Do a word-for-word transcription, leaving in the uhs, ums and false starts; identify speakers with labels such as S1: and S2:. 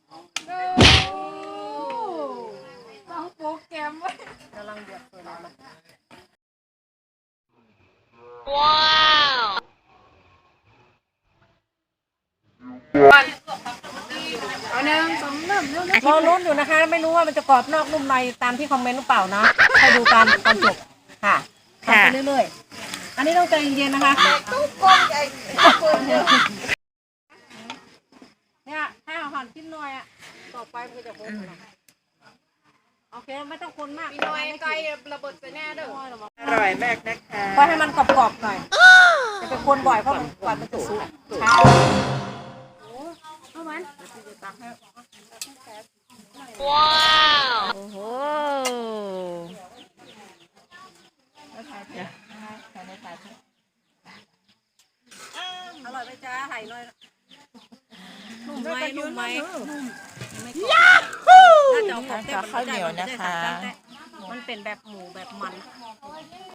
S1: ต้องโปรแกรมไว้
S2: กำลังเดือดเลยนะ
S3: ว้าว
S1: เอาหนึ่งสองเริ่มเริ่ม
S2: รอลุ้นอยู่นะคะ ไม่รู้ว่ามันจะกรอบนอกนุ่มในตามที่คอมเมนต์หรือเปล่านะให้ดูกันตอนจบค่ะทำไปเรื่อยๆอันนี้ต้องใจเย็นๆนะคะเนี่ยให้อาหารกินหน่อยอ่ะต่อไปมันจะโค้งโอเคไม่ต้องคนมาก
S1: มีน้อยไกลระเบิดใส่แน่เด้อ
S4: อร่อยมากนะคะ
S2: ก็ให้มันกรอบๆหน่อยจะไปคนบ่อยเพราะมันกว่ามันจะสุกช้า
S1: เอามัน
S3: ว้าวโอ้โห
S2: อร่อยไหมจ้าไห่หน่อยนุ่มไหมนุ่มไหมยาฮูน่าจะเอาของเต้นข้าวเหนียวนะคะมันเป็นแบบหมูแบบมัน